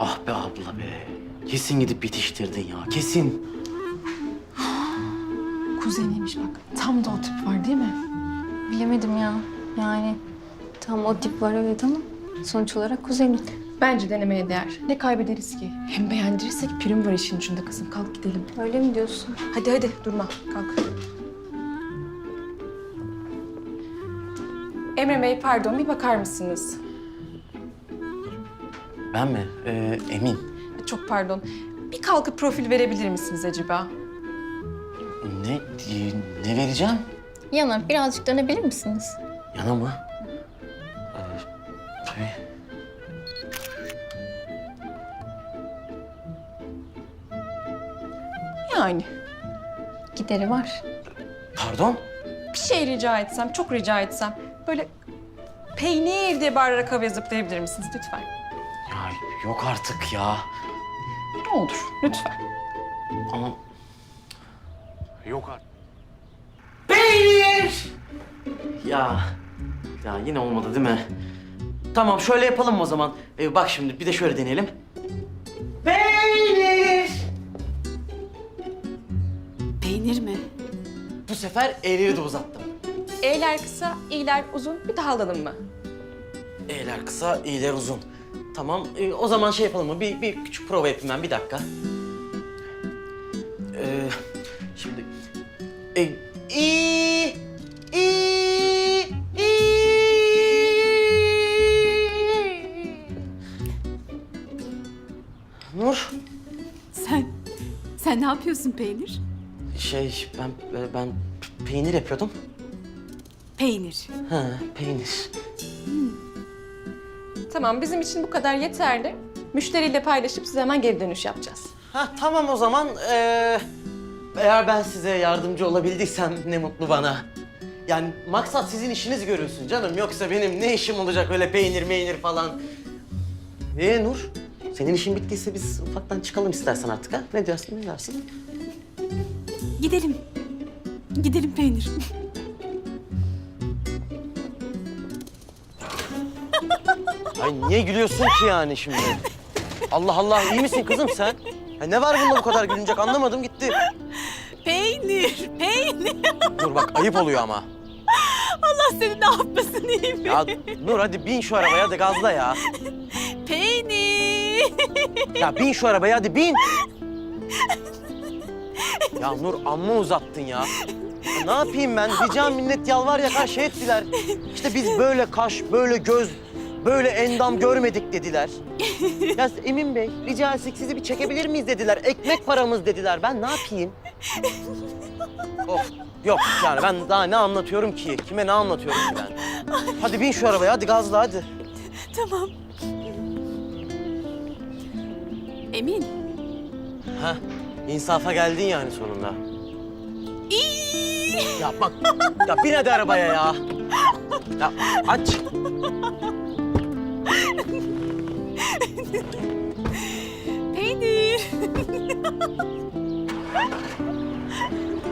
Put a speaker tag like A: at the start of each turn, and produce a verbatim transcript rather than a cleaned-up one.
A: Ah be abla be. Kesin gidip bitiştirdin ya, kesin.
B: Kuzeniymiş bak. Tam da o tip var değil mi?
C: Bilemedim ya. Yani tam o tip var evet ama sonuç olarak kuzenim.
B: Bence denemeye değer. Ne kaybederiz ki? Hem beğendirirsek prim var işin ucunda kızım. Kalk gidelim.
C: Öyle mi diyorsun?
B: Hadi hadi durma. Kalk. Emre Bey pardon bir bakar mısınız?
A: Ben mi? Ee, Emin.
B: Çok pardon. Bir kalkıp profil verebilir misiniz acaba?
A: Ne, ne vereceğim?
C: Yana birazcık dönebilir misiniz?
A: Yana mı? Ee, tabii.
B: Yani
C: Gideri var.
A: Pardon?
B: bir şey rica etsem, çok rica etsem böyle peynir diye bağırarak havaya zıplayabilir misiniz lütfen?
A: Ya yok artık ya.
B: Ne olur lütfen.
A: Ama... Yok artık. Peynir! Ya, ya yine olmadı değil mi? Tamam şöyle yapalım o zaman. Ee, bak şimdi bir de şöyle deneyelim. Peynir!
D: Peynir mi?
A: Bu sefer eğri de uzattım.
B: E'ler kısa, i'ler uzun. Bir daha alalım mı?
A: E'ler kısa, i'ler uzun. Tamam, ee, o zaman şey yapalım mı? Bir, bir küçük prova yapayım ben, bir dakika. Ee, şimdi... E, i, i, i. Nur,
D: Sen, sen ne yapıyorsun Peynir?
A: şey ben ben peynir yapıyordum.
D: Peynir.
A: Ha, peynir.
B: Tamam, bizim için bu kadar yeterli. Müşteriyle paylaşıp size hemen geri dönüş yapacağız.
A: Ha tamam o zaman. Ee, eğer ben size yardımcı olabildiysem ne mutlu bana. Yani maksat sizin işiniz görülsün canım. Yoksa benim ne işim olacak öyle peynir meynir falan. Ee Nur, senin işin bittiyse biz ufaktan çıkalım istersen artık ha. Ne diyorsun, ne dersin?
D: Gidelim. Gidelim Peynir.
A: Ay niye gülüyorsun ki yani şimdi? Allah Allah, iyi misin kızım sen? Ya ne var bunda bu kadar gülünecek anlamadım gitti.
D: Peynir, peynir.
A: Dur bak ayıp oluyor ama.
D: Allah seni ne yapmasın iyi mi?
A: Ya Nur hadi bin şu arabaya hadi gazla ya.
D: Peynir.
A: Ya bin şu arabaya hadi bin. Ya Nur amma uzattın ya. Ya ne yapayım ben? Rica minnet yalvar yakar şey ettiler. İşte biz böyle kaş, böyle göz, böyle endam görmedik dediler. Ya Emin Bey, rica etsek sizi bir çekebilir miyiz dediler. Ekmek paramız dediler. Ben ne yapayım? Of, yok yani ben daha ne anlatıyorum ki? Kime ne anlatıyorum ki ben? Hadi bin şu arabaya, hadi gazla hadi.
D: Tamam. Emin.
A: Heh, insafa geldin yani sonunda. Ya bak, ya bin hadi arabaya ya. Ya aç.
D: Peynir.